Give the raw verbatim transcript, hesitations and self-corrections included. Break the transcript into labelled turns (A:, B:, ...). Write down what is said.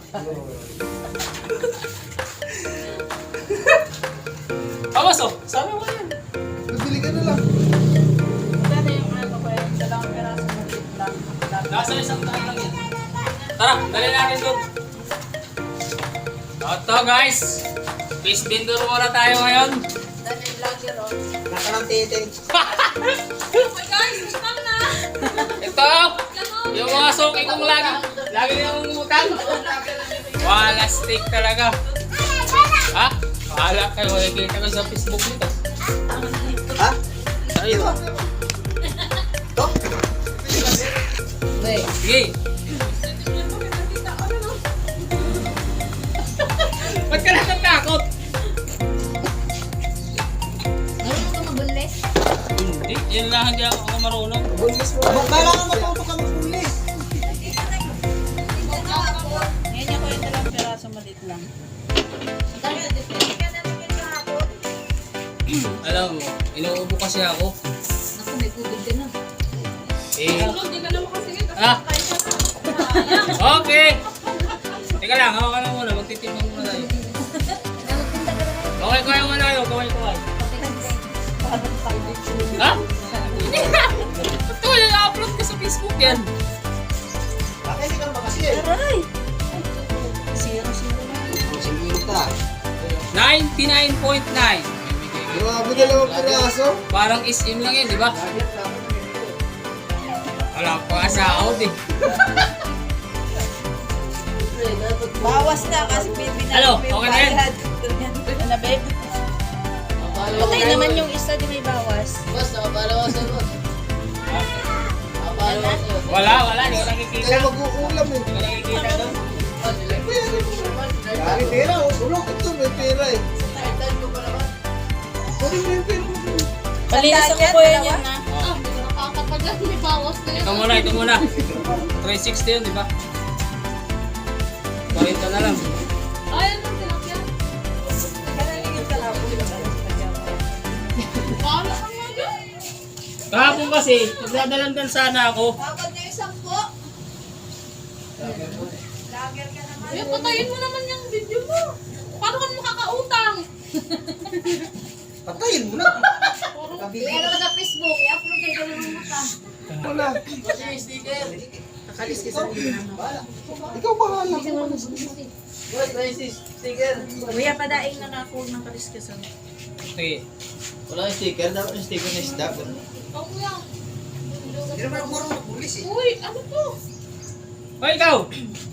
A: Awas oh, sabi mo yan.
B: Nabili ka na lang.
C: Magkano yung ano ko yun? Dalawang peraso maliit lang.
A: Nasa isang daan lang yan. Tara, dali natin doon. Ito guys, fish vendor muna tayo ngayon.
C: Dali lang yun o.
B: Naka ng titing.
C: Oh my guys, stop na!
A: Ito, yung mga suki kong lagi, lagi nilang umutang. Wala stick talaga. Ha? Wala kayo, makikita ko sa Facebook nito.
B: Ha?
A: Ayun.
B: To?
A: Sige. Ba't ka natatakot?
C: Marunong ka mabulis?
A: Hindi, yan lang hindi ako marunong.
B: Bulis mo. Abang kailangan matuto ka mag-bulis.
C: Ngayon ako yung dalawang peraso maliit lang.
A: Alam mo, inuubo kasi ako.
C: Naku, may tubig ka na.
A: Eh,
C: Hindi ka naman kasi ngayon.
A: ah, okay. Teka lang, hawa ka lang muna, magtitimbang muna tayo. Okay, kaya muna tayo, kaway kaway. Ha? Hindi na! Ito, i-upload ko sa Facebook yan.
B: Bakit hindi ka naman kasi eh?
C: Aray! Zero, zero na.
B: Sige ka.
A: ninety-nine point nine.
B: Grabe dalawang piraso.
A: Parang is-in lang yan, di ba? Wala pa sa out eh.
C: Bawas na kasi pinapin
A: Hello, okay na yan?
C: Ano na, babe? Patay naman yung isa di may bawas.
D: Boss, nakapalawasan mo. Nakapalawasan mo.
A: Wala, wala, hindi ko nakikita.
B: Kaya mag-uulam eh.
A: Hindi ko nakikita doon.
B: May pera oh. Ulok ito, may pera eh.
D: Nakaitan ko pa naman.
B: Pwede mo yung pera mo.
C: Malinis ako po yan yan na.
D: Ah, hindi ko nakakapagyan. May bawas na yun.
A: Ito muna, ito muna. three sixty yun, di ba? forty na lang.
D: Ay, ano tilapia? Bahala ka nga dyan.
A: Kahapon kasi, nagdadalandan sana ako.
C: Tawag na isang po.
D: Eh, patayin mo naman yung video mo. Paano ka makakautang?
B: Patayin mo na.
D: Ano ka sa Facebook? I-upload kayo ng mata.
B: Wala.
D: Kasi yung sticker.
B: Kakalis ka sa Bahala. Ikaw bahala.
D: Boss, may sticker.
C: Kuya, padaing na na ako ng kaliskasan.
A: Sige.
B: Wala yung sticker. Dapat yung sticker na isda.
D: Ikaw mo yan.
B: Hindi naman ako marunong mag-bulis eh.
D: Uy, ano to?
A: Hoy, ikaw!